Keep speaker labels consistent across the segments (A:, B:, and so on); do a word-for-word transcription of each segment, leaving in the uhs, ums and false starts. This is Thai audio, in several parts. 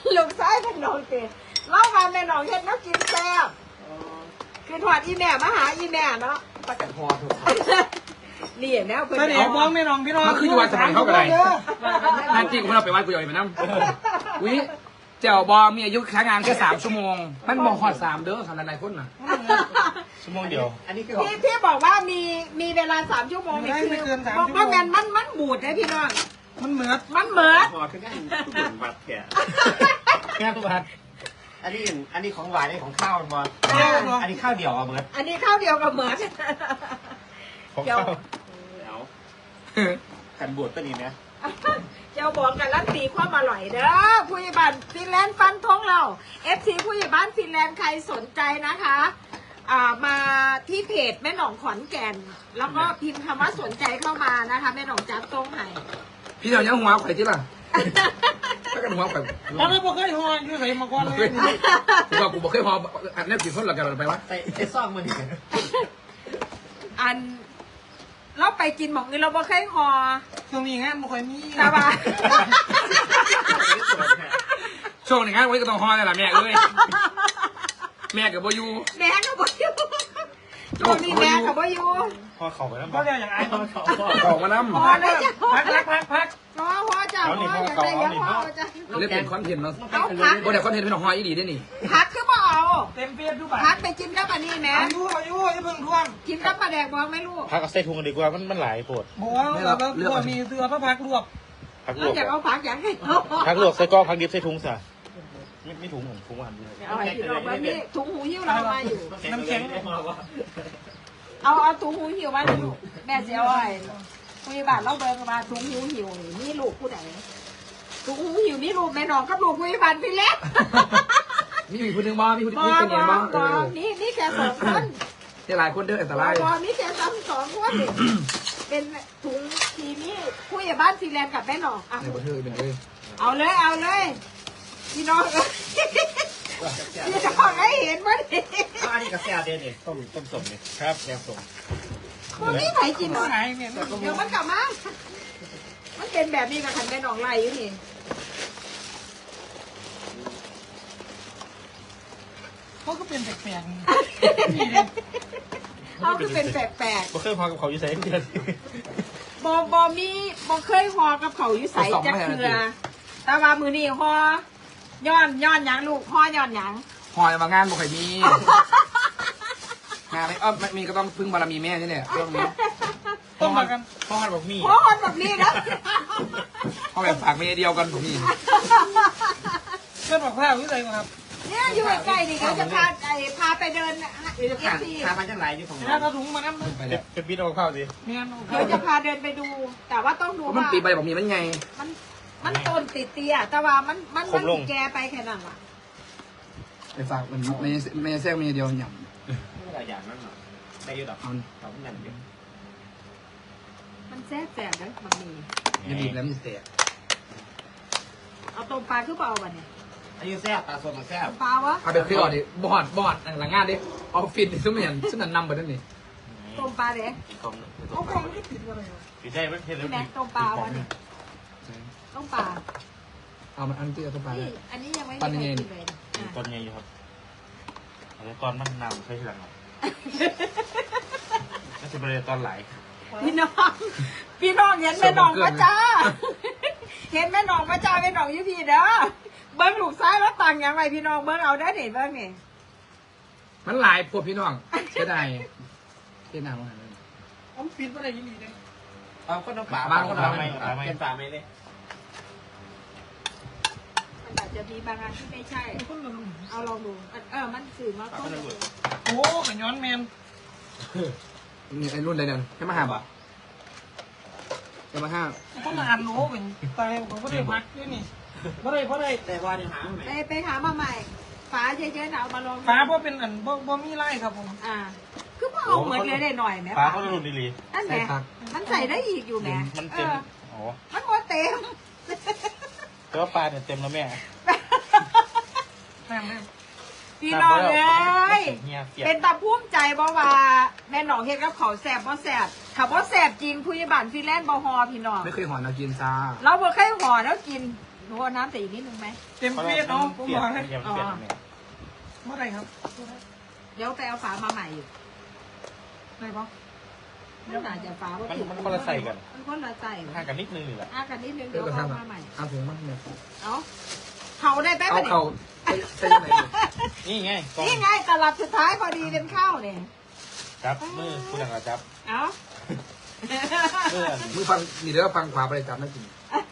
A: ลูกซ้ายเป็นน้องเตะเล่ามาแม่น้องเฮ็ดน้ำกินแซ่บคือถอดอีแม่มาหาอีแม่เนาะปากกาพอถูกนี่แม่เพิ่นเอามองแม่น้องพี่น้อง
B: มันคืออยู่วันสมัยเขาอะไรนั่นจริงผมเราไปวัดกูอยู่ไปนั่งวิเจ้าบอมีอายุใช้งานแค่สามชั่วโมงมันมองหอดสามเด้อสำหรับหลายคนน่ะ
C: ชั่วโมงเดียว
A: อันนี้คือพี่พี่บอกว่ามีมีเวลาสามชั่วโมงนี่คือบอกว่ามันมันมันบูดนะพี่น้อง
D: มันเหมือด
A: มันเหมือด
C: พอขึ้นได้ตุ่นบัดแก่แก่ตุ่นบัดอันนี้อันนี้ของหวานนี่ของข้าวมันบอลอันนี้ข้าวเดียวอ่ะเหมือน
A: อันนี้ข้าวเดียวกับเหมือด
C: ของข้าวแล้วกันบวชตัวนี้นะ
A: เจ้าบอกกันรันตีความอร่อยเด้อผู้ใหญ่บ้านฟินแลนด์ฟันทงเราเอฟซีผู้ใหญ่บ้านฟินแลนด์ใครสนใจนะคะอ่ามาที่เพจแม่หนองขอนแก่นแล้วก็พิมพ์คำว่าสนใจเข้ามานะคะแม่หนองจับตรงไหน
B: พี่เรายังหัวไข่ที่ล่ะถ้ากันหัวไข่
D: แล้วไม่บอกเคยหัวอยู่ไหนมาก่อนเลย
B: กูบอกกูบอกเคยหัวอันนี้กี่คนหลักกันไปวะ
C: ใส่ใส่ซ่องมันอีก
A: อันเราไปกินหมองนี้เราบ่เคยหอ
D: ช่วงนี้งานบ่ค่อยมี
A: แต่ว่า
B: ช่วงนี้งานไว้ก็ต้องหอนี่แหละแม่เอ้ยแม่กับโบยู
A: แม่กับโบยูช่วงนี้แม่กับโบยู
C: พอเข่าไปแล้ว
D: ก็เรียกอย่างไอ้
C: พอเข่า
B: ออกมาน้ำ
A: พอเลยจ้ะ
D: พักพักพักพัก
A: พอพอจ้ะพออย่างไรยังพอจ้ะ
B: เล่นเป็นคอนเทนต์เนาะโบเดี๋ยวคอนเทนต์เป็นหอยอีดีได้นี่
A: พักคือบ่เอา
D: เต็มเปียบดูบ้า
A: พักไปกินกับอันนี้แม่
D: อายุอายุอย่าเพิ่งทวง
A: กินกับปลาแดกบอกไม่รู้
C: พักเอาใส่ถุงกันดีกว่ามันมันหลายปวด
D: บอกว่าเราเลือกมีเสื้อพระพักลวก
C: พักลวก
A: อยากเอาพักอย่างให้
C: พักลวกใส่ก้อพักดิบใส่ถุงซะไม่ไม่ถุงเหมือนถุงหันเลย
A: เอาไอ้ที่เราแบบนี้ถุงหูหิ้วเรามาอยู่
C: น้ำแข็ง
A: เอาเอาถุงหูหิ้วมาลูกแม่เสียอ้อยคุยบ้านเราเบิร์มาถุงหูหิ้วนี่ลูกผู้ใดถุงหูหิ้วนี่ลูกแม่น้องกับลูกคุยบ้านพี่เล็ก
B: มีมีคนหนึ่งบ้างมีคนที่เป็นยังบ้าง
A: นี่นี่แค่สองคน
B: นี่หลายคนเด้ออันตราย
A: นี่แค่สองสองคนเป็นถุงทีนี้คุยบ้านซีแลนด์กับแม่น้องอ่ะเอาเลยเอาเลยพี่น้องพี่น้องให้เห็นมั้ย
C: อันนี้กาแฟเด่นเนี่ยต้มต้มสมเนี่ยครับแกงสม
A: คนนี้ไหนกินหรอเดี๋ยวมันกลับมามันเป็นแบบนี้กับขันแม่น้องไล่อยู่นี่
D: เขาก็เป็นแปลก
A: ๆเขาคือเป็นแปลก
C: ๆบ่เคยพอกับเขาอยู่ใส่เดือน
A: บอบอมีบอเคยหอกับเขาอยู่ใส่จะเคือแต่ว่ามือนี่หอย่อนย่อนยังลูกห่อย่อนยัง
B: ห่อมางานบ่เคยมีงานไม่เออมีก็ต้องพึ่งบารมีแม่นี่แหละเรื่องนี้
D: ต้องมากัน
C: พ่อหันบอกมี
A: พ่อหันแบบนี้นะ
B: พ่อแบบฝากเมียเดียวกันผมมี
D: เพื่อนบอกพาวิสัยครับ
A: เนี่ยอยู่ใกล้ๆนี่เขาจะพาไอ้พาไปเดิน
C: เดี๋ยวจะพาพาไปจังไรอยู่ของ
D: เราถุงมาน้ำ
B: ไปเลย
C: เป็นปีนเอาข้าวสิ
A: เดี๋ยวจะพาเดินไปดู แต่ว่าต้องดูว่า
B: มันปีไปบอกมีมันไง
A: มันมันต้นติดเตี้ยแต่ว่ามันมันมันแกไปแค่นั้นว่ะ
B: ไปฝากมันไม่ไม่แทรกเมียเดียวหย่
C: ำไม่ได้อย่างนั้นหรอได้เยอะหรอเขาเงินเยอะ
A: มันแซ่บแซ่บนะมันมี
B: ยันดีแล้วมันแตก
A: เอาต้มปลาคือเปล่าวันนี้
C: อายุแซ่บปลาสดมาแซ่บ
A: ปลาวะ
B: เอาไปคือก่อนดิบอดบอดหลังงานดิออฟฟิศซึ่งเหมือนซึ่งนั่นนำไปนั่นนี่
A: ต้มปลาเด็กเอาของที่ติดอะไร
C: ติดได้ไม่เห็นเลย
A: แม่ต้มปลาวะนี่ต้มปลา
B: เอามันอันที่เอาต้มปลา
A: อันนี้ยังไม่ได้กินเลย
C: ตอนไงอยู่ครับตอนมันนำใช่ไหมครับน่าจะเป็นตอนไหล
A: พี่น้องพี่น้องเห็นแม่น้องมาจ้าเห็นแม่น้องมาจ้าแม่น้องยูพีเด้อเบิ้งลูกซ้ายแล้วตังยังไงพี่น้องเบิ้งเอาได้เห็นเบิ้งนี่
B: มันหลายพวกพี่น้องเสียดายเสียดายมากเลย
D: ผมปิดอะไรยินดีเลย
C: เอาก็น้ำปลาบ้างก็น้ำไม่เป็นปลาไม่เลย
A: มันอาจจะมีบางอันที่ไม่ใช่เอาลองดูเออมันสื่อมาต้น
D: โอ้ขย้อนแมน
B: นี่ไอ้รุ่นใดเนี่ยแค่มาห้าบาทแค่มาห้า
D: ต้องมาอ่านโน้เป็นตายผมก็ได้พักด้วยนี่เพราะอะไรเพราะอะไร
C: แต่ว่าเนี่ยหา
A: ไปไปหามาใหม่ฝาเยอะๆนะเอามาลอง
D: ฝาเพราะเป็นอันบ่บ่มีไล่ครับผม
A: อ่าคือพอเอาเหมือนเลยได้หน่อยไหม
C: ฝาเขาจะหลุดดี
A: ๆนั่นแหละมันใส่ได้อีกอยู่แหม
C: มันเต็มอ๋อ
A: มันหมดเต็ม
C: แต่ว่าปลาเนี่ยเต็มแล้วแม่
D: แม่แม่
A: พี่น้องเลยเป็นตาภูมิใจบ่ว่าแม่หนองเฮ็ดกับเขาแสบบ่แสบถ้าบ่แสบจริงผู้ใหญ่บ้านฟินแลนด์บ่ฮอพี่น้อง
B: ไม่เคยห่อเรากินซา
A: เราบ่เคยห่อแล้วกินหนูเอาน้ำใส่อีกนิดนึงไหม
D: เต็มเฟียดเนาะผมบอกให้
C: เปลี่ยนเปลี่ยนเนี่ย
D: เมื่อไหร่ครับ
A: เดี๋ยวไปเอาฝามาใหม่อยู่
D: ไหนปะ
A: มันอาจจะฝาว่า
C: มัน
A: ผิด
C: มันคนละใส่กัน
A: มันคนละใส่
C: ห่างกันนิดนึงนี่แหละ
A: อากันนิดนึง
B: เดี๋
A: เดี๋
B: ย
A: ยว ว
B: กระ
A: เอา
B: ทำ
A: มาใหม่
B: เอาถุงมั้งเนี่ย
A: เอาเขาได้แป๊บ
B: เอา
A: นึง
B: เขาใส่ยังไง
C: นี่ไงกล้อง
A: นี่ไงตลับสุดท้ายพอดีเป็นข้าวเนี่ย
C: จับมือคุณยังจับ
A: เอา
C: เพื่อน
B: มือฟังนี่เดี๋ยวฟังขวาไปเลยจับไม่กิน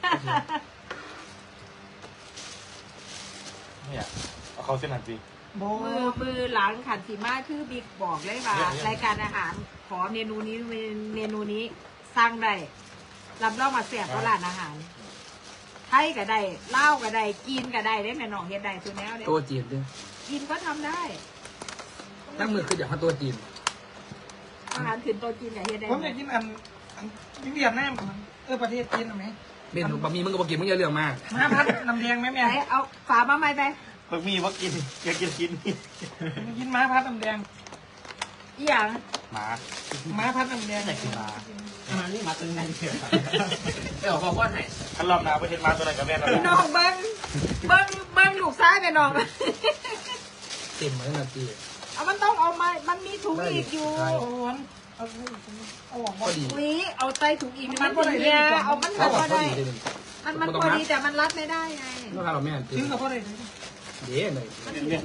C: เนี่ยเอาเขาเส้นหันสิ
D: โบ
A: มือมือหลังขันสีมาคือบิ๊กบอกเลยว่า
C: เนี่ยเนี่ย
A: รายการอาหารขอเมนูนี้เมนูนี้สร้างได้รับรองมาแซ่บก็ร้านอาหารไทยก็ได้เล่าวก็ได้กินก็ได้ได้แม่น้องเฮ็ดได้ตัวแนวเด้
B: ตัวจีนด้วย
A: กินก็ทำได้
B: นั่งมือคืออยากมาตัวจีน
A: อาหารขึ้นตัวกินอย่าเฮ็ดได้
D: ผมอยากกินอันอันเวียดนามมันเออประเทศจีนเอาไหม
B: เมนูบะหมี่มึงก็บอกกินมึงอย่าเรื่องมาก
D: มาพัดน้ำแดงไหมแม่
A: ไหนเอาฝามาใหม่ไป
C: เพิ่งมีว่ากินอยากกินกินนี่
D: มากินม้าพัดน้ำแดง
A: อีหยัง
C: หมา
D: ม้าพัดน้ำแดง
C: อยากกินหมาอันนี้มาตึงไงเถอะ
B: ไม่ออกบอกว่าไหน
C: อันรอบหน้าไปเห็นมาตัวไหนกับแม่เรา
A: พี่น้องเบิ้งเบิ้งเบิ้งลูกซ้ายไปน้อง
B: เต็มมาตั้งแต่ตี
A: เอามันต้องเอามามันมีถุงอีกอยู่
D: โอ้ยเอาเอาออก
B: พอดี
A: อุ้ยเอาใส่ถุงอีกมันพอดีเนี่ยเอามัน
B: เขา
A: พ
B: บอก
A: อ
B: พอ
A: ได้
B: ดีเลย
A: มันมันพอดีแต่มันรัดไม่ได้ไง
B: เมื่อวานเราแม่ตื่
D: ถึ
B: น
D: งกับพ่อได้เลย
B: เดี๋ยวเลย
C: เนี่ย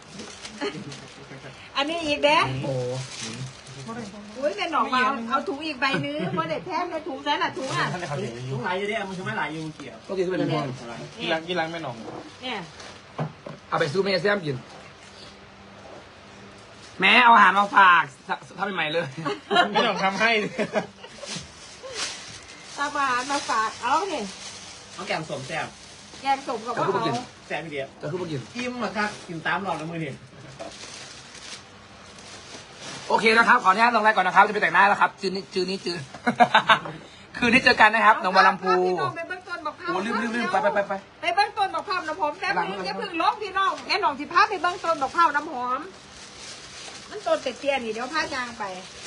A: อันนี้อีกเด้
B: โอ้
D: พ่อได้
A: อุ้ยแม่หนองมาเอาถุงอีกใบนึงเพราะเด็ดแทบในถุงใส่ละถุงอ่ะ
C: ท่านได้เขาเห็นอยู่
E: ไหลอยู่เนี่ยมันคือไม่ไหลอยู่เกี่ยว
B: ก็กินเป็นพวง
C: กีรังกีรังแม่หนอง
A: เนี่ย
B: เอาไปซื้อเมสแซมกิน แม่เอาอาหารมาฝากทำใหม่เลย
C: แม่หนองทำให้
A: ตาบานมาฝากเอาเนี่ย
E: เอาแกมสวมแซ่บ
A: แกงสมกับ
B: จะ
A: ว่า
B: พูด
A: เขา
B: กิน
E: แซ่บอีเดียว
B: จะพูดกิน
E: กิมอะครับกินตามหลอดแล้วมือนี่
B: โอเคนะครับ ขออนุญาตลงไลน์ก่อนนะครับ จะไปแต่งหน้าแล้วครับ จืนนี้จืนนี้จืน คืนนี้เจอกันนะครับหนองบัวลำพู
A: พี่น้องไปเบื้องต้นบอก
B: โอ้ลืมลืมลืมไปไปไปไป
A: ไปเบื้องต้นบอกข้าวน้ำหอมแป๊บนึงอย่าเพึ่งลบพี่น้องแม่หนองที่พาไปเบื้องต้นบอกข้าวน้ำหอม มันต้นเป็ดเตี้ยนี่เดี๋ยวพายางไป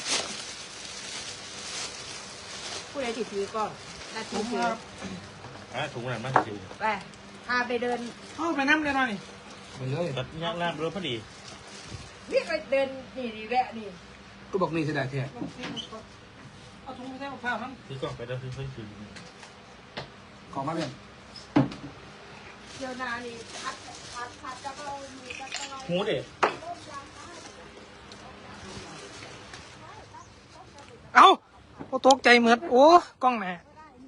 A: ผู้ใดติดถือก็นาที
D: ผม
A: ถือ
D: ครับ
C: อ่ะถุงนั้นมาสิ
A: ไปพาไปเดิน
D: เข้าไปน้ำเลยหน่อย
B: ไปเลย
C: รถยากลาบรถพอดี
A: นี่ไปเดินนี่นี่แวะนี่
B: ก็บอกนี่เสียดายแท้
D: เอาถุงไปใส่ข้าวนั่น
C: ซื้อกล่องไปแล้วซื้อเพิ่มซื้อ
B: ของมาเรียน
A: เดี๋ยวนานี่พัดพัดพัดจะเอามีจะเอา
C: หูเด็ด
D: เอาโอ้ตกใจเหมือนโอ้กล้องแม่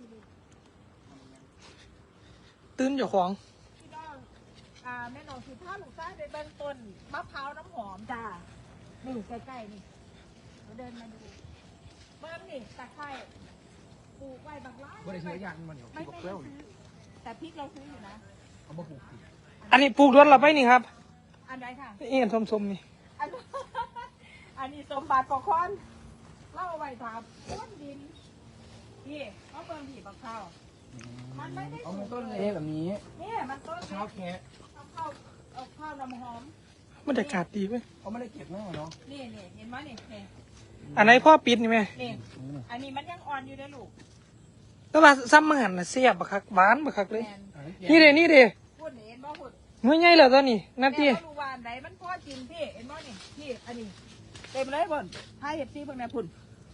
D: ตื่นอยู่ของ
A: พี่น้องอ่าแม่หนองที่พาลูกชายไปเบื้องต้นมะพร้าวน้ำหอมจ้านี่ใกล้ๆนี่เราเดินมาดูเบิ้งนี่ตะไคร้ปลูกไว้บางร้าน
B: ว่าได้ซื้อยางมันเดี๋ยว
A: ไม่
B: พี่บอก
A: ไม่
B: เปรี้ยว
A: ซื้อแต่พริกเราซื้ออยู่นะ
B: เขาบอกผูก
D: อันนี้ปลูกด้วนเราไปนี่ครับ
A: อันไหนค่ะ
D: เอียนส้มๆนี่
A: อัน อันนี้สมบัติปกครองเล่าเอาไว้ถามต้นดินนี่เขาเบิ่งผีบักข้าวมันไม่ได้
B: เอา
A: สูง
B: ต้น
A: เล
B: เล็
A: ย
B: กแบบนี้
A: เนี่ยมันต้น
B: เช้าแค่
A: เอาข้าวเอาข้าวน้ำหอม
D: บรรยากาศดีเว้ย
B: เขาไม่ได้เก็บแน่เนาะ
A: นี่นี่เห็นไหมนี่นี่
D: อันไหนพ่อปิดนี่ไหม
A: นี่อันนี้มันยังอ่อนอยู่เลยลูก
D: แล้วว่าซ้ำมังหันน่ะเสียบบักคักหวานบักคักเลย
A: แมน
D: นี่เด้นี่เด้
A: พูดนี่เห็นบ่พูด
D: เมื่อไงแล้วตอนนี้นา
A: แม่
D: ที
A: ก็รู้ว่าอันไหนมันพอกินพี่เห็นบ่นี่พี่อันนี้เต็มเลยบนให้เห็ดซี่เพิ่งแม่พุ่น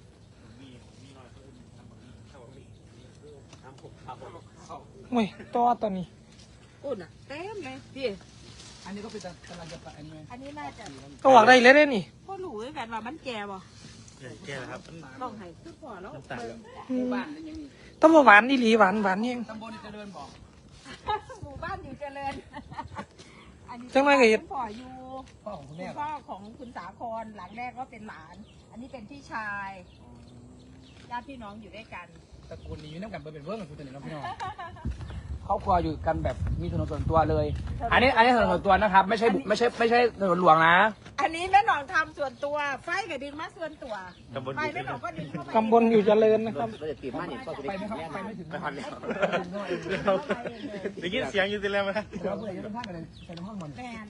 D: โอ้ยต่อตอนนี้
A: พุ่นอ่ะเต็มเลยพี่
B: อันนี้ก็เป็นกำลังจะไปอันนี้ไหม
A: อันนี้น่าจะ
D: ก็ออกได้เลยเด้นี่
A: พ่อรู้คือกันว่ามันแก่บ่
C: แก่แล้วครับ
A: ต้องให้คือพอแล้ว
C: น้ำตาลแล้ว
B: หมู่บ้านเป็นยังไง
D: ต้องมาหวานอีหลีหวานหวานเอง
B: ตำบลเจริญบอก
A: หมู่บ้านอยู่เจริญอันนี้
D: จังไรก็เห็น
A: คุณพ่ออยู่
B: พ่อของคุณ
A: คุ
B: แม่
A: ณพ่อของคุณสาครหลังแรกก็เป็นหลาน อันนี้เป็นพี่ชายญาติพี่น้องอยู่ด้วยกัน
B: ตระกูลนี้อยู่น้ำกันเป็นเวิร์กกับคุณตัวนี้น้องพี่น้องครอบครัวอยู่กันแบบมีถนนส่วนตัวเลย อันนี้อันนี้ถนนส่วนตัวนะครับ ไม่ใช่บุไม่ใช่ไม่ใช่ถนนหลวงนะ
A: อันนี้แม่หนองทำส่วนตัว ไฟกับดินมาส่วนตัว
C: ตำบล
A: ไฟ
C: อยู่
A: แม่หนองก็ดินเข้าไป
D: ตำบลอยู่เจริญนะครับ
E: เราจะตีมาเนี่ยก็จะ
B: ไป
E: ได้
B: ไม่เข้าไปไม่ถึง
C: ไปหันแล้ว
A: เข้าไปเองเลย
C: ได้ยินเสียงอยู่สิแล้วไหม
B: เดี๋ยวเพื่อนจะต้องพากันใส่ห้องมัน
A: แมน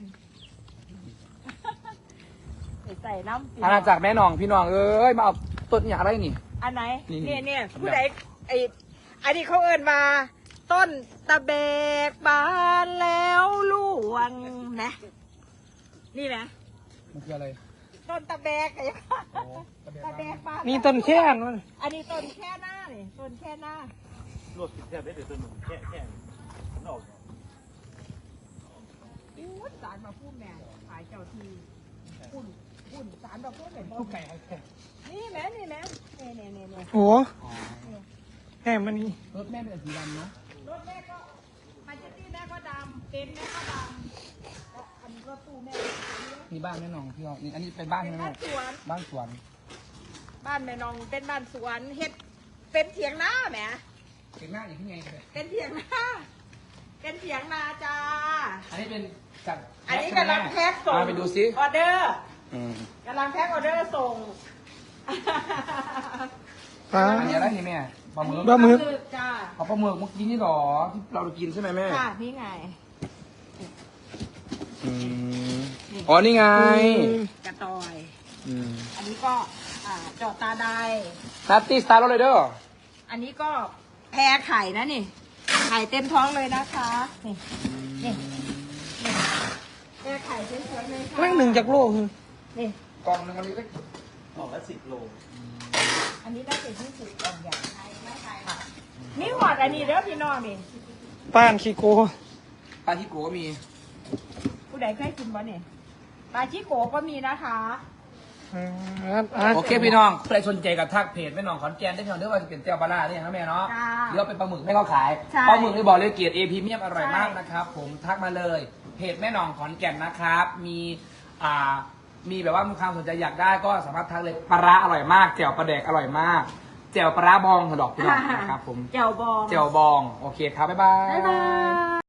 A: ใส่น้ำ
B: อาณาจักรแม่น้องพี่น้องเอ้ยมาเอาต้นอย่างไรนี่
A: อันไหน
B: นี่
A: เนี่ยเนี่ย
B: ครับ
A: ผู้ใดไออันนี้เขาเอิ้นมาต้นตะเบกบานแล้วล่วงนะนี่นะ
B: มันคืออะไร
A: ต้นตะเบกไง
B: โอ้ตะเบก
A: ตะเบกบาน
D: นี่ต้นแค่นมัน
A: อันนี้ต้นแค่หน้านี่ต้นแค่หน้า
C: โลดกินแค่ได้เดี๋ยวตัวหนึ่งแค่แค่มันออก
A: อู้สารมาพูดแม่ขายเจ้าทีอุ่นอุ่นสารมาพูดเหมือน
D: ลูกไก่แค่
A: นี่แม่นี่แม่เนี่ยเนี่ยเนี่ยเนี่ย
D: โอ้แค่มันนี่
B: รถแม่เป็นสีดำเนาะ
A: รถแม่ก็มาเจตี้แม่ก็ดำเต็นท์แม่ก็ดำแล้วอันนี้ก็ตู้แม่
B: นี่บ้านแม่น้องพี่น้องนี่อันนี้เป็นบ้าน
A: เป็
B: ใช่
A: น
B: ไหม
A: บ้านสวน
B: บ้านสวน
A: บ้านแม่น้องเป็นบ้านสวนเฮ็ดเป็นเถียงนาแหม
B: เห็นหน้าอย่างที่ไงกันเลย
A: เป็นเถียงนาเป็นเถียงนาจ้า
B: อันนี้เป็นจัด
A: อันนี้กำลังแพ็คส่ง
B: เอาไปดูซิ
A: ออเดอร์
B: อืม
A: กำลังแพ็คออเดอร์ส่ง
D: ปลา
B: อันนี้อะไรนี่แม่ปลาหมึก
D: ปลาหมึก
A: จ้า
B: เอาปลาหมึกเมื่อกี้นี่หรอที่เรากินใช่ไหมแม่
A: ค่ะนี่ไง
B: อืมอ๋อนี่ไง
A: กระตอย
B: อืม
A: อันนี้ก็อ่าจอดตาได
B: นัตตี้สตาร์รถเลยเด้อ
A: อันนี้ก็แพรไข่นะนี่ ไข่เต็มท้องเลยนะคะ นี่นี่นี่แพรไข่เต็มท้องเลยค่ะ
D: แม่งหนึ่งจากโลคือ
A: นี่
B: กล่องหนึงอันนี้ก็
C: ออกละสิบโล
A: อันนี้ได้เป็นที่สุดกล่องใหญ่ค่ะนี่หอดอันนี้เด้อพี่น้องนี่
D: ป้านขี้โก
B: ปลาที่โกก็มี
A: ผู้ใดเคยกินบ่เนี่ยปลาชิโกะก็มีนะคะ
D: อ่าอ่า
B: โอเคพี่น้องใครสนใจกับทักเพจแม่น้องขอนแก่นได้พี่น้องเด้อว่าจะเป็นเจ้าปลาล่าเนี่ยนะแม่เนาะ
A: จ้า
B: เดี๋ยวเป็นปลาหมึกแม่เขาขาย
A: ใช่
B: ปลาหมึกนี่บอกเลยเกียรติเอพรีเมียมอร่อย
A: ใช่
B: มากนะครับผมทักมาเลยเพจแม่น้องขอนแก่นนะครับมีอ่ามีแบบว่ามีความสนใจอยากได้ก็สามารถทักเลยปลาร้าอร่อยมากแจ่วปลาแดกอร่อยมากแจ่วปลาร้าบองถดอกพี่น้องนะครับผม
A: แจ่วบอง
B: แจ่วบองโอเคครับบ๊ายบาย
A: บ๊ายบาย